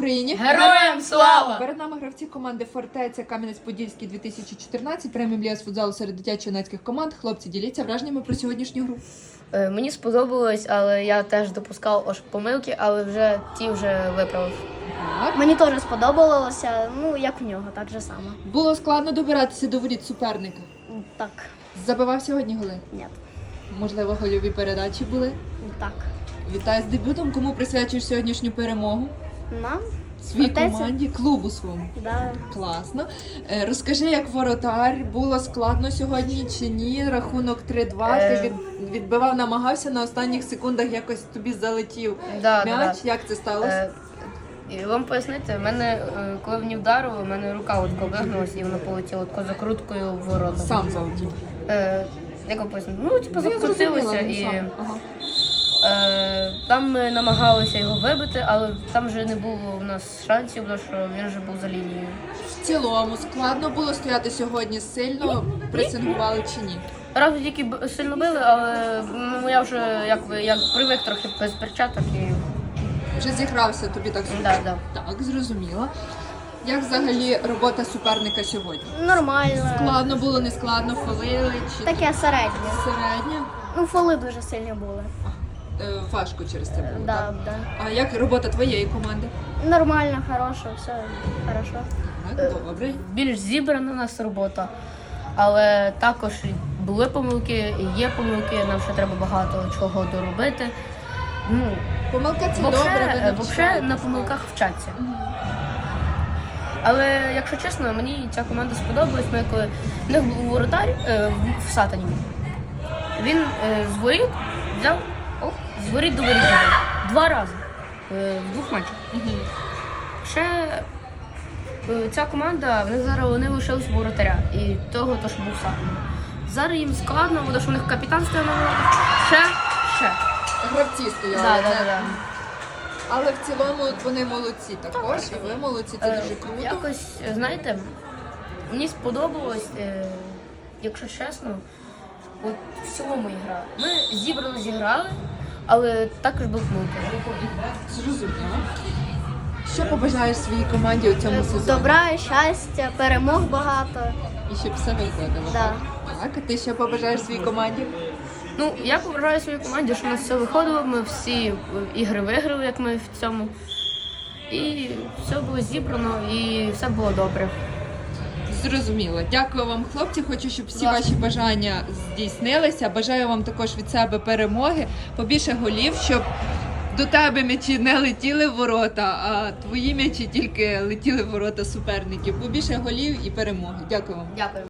Україні! Героям слава! Перед нами гравці команди «Фортеця» Кам'янець-Подільський 2014, преміум ліга з футзалу серед дитячо-юнацьких команд. Хлопці, діліться враженнями про сьогоднішню гру. Мені сподобалось, але я теж допускав помилки, але вже виправив. Так. Мені теж сподобалося, як в нього, так же само. Було складно добиратися до воріт суперника. Так, Забивав сьогодні голи? ні, Можливо, гольові передачі були? так. Вітаю з дебютом. Кому присвячуєш сьогоднішню перемогу? Нам? Своїй «Фортеця». команді, клубу своєму. Да. Класно. Розкажи, як воротар, було складно сьогодні чи ні? Рахунок 3-2, ти відбивав, намагався, на останніх секундах якось тобі залетів м'яч. Як це сталося? І вам пояснити, в мене, коли мені вдарило, в мене рука вигнулася і воно полетіло закруткою в ворота. Сам залетів. Як вам пояснити? Закрутилося і Ага. там ми намагалися його вибити, але там вже не було у нас шансів, тому що він вже був за лінією. В цілому, складно було стояти сьогодні, сильно пресингували чи ні? Раз тільки сильно били, але я вже як привик трохи без перчаток і Вже зігрався, тобі так зрозуміло? Да. Так, зрозуміло. Як взагалі робота суперника сьогодні? Нормально. Складно було, не складно, фолили чи Таке середнє. середньо? Фоли дуже сильні були. Важко через це було, Да, так? да. А як робота твоєї команди? Нормально, хорошо, все хорошо. Так, добре. більш зібрана у нас робота, але також були помилки, і є помилки, нам ще треба багато чого доробити. Помилка це добре, ви Взагалі на навчаєтесь, помилках вчаться. Але, якщо чесно, мені ця команда сподобалась. Ми коли в них був воротар в Сатані. Він з воріт взяв з воріт до воріт забив. 2 рази в 2 матчах. Ще ця команда, вони лишились воротаря і того, що був Сатані. Зараз їм складно, тому що у них капітан стояв на воротах. Ще. Гравці стояли. Да. Але в цілому вони молодці також, і ви молодці, це дуже круто. Якось, знаєте, мені сподобалось, якщо чесно, от в цілому ігра. Ми зібрано зіграли, але також був помилки. Зрозуміло. Що побажаєш своїй команді у цьому сезоні? Добра, щастя, перемог багато. І щоб все виходило. Да. Так, а ти що побажаєш своїй команді? Я побажаю своїй команді, щоб у нас все виходило, ми всі ігри виграли, як ми в цьому. І все було зібрано, і все було добре. Зрозуміло. Дякую вам, хлопці. Хочу, щоб всі ваші бажання здійснилися. Бажаю вам також від себе перемоги, побільше голів, щоб до тебе м'ячі не летіли в ворота, а твої м'ячі тільки летіли в ворота суперників. Побільше голів і перемоги. Дякую вам. Дякую.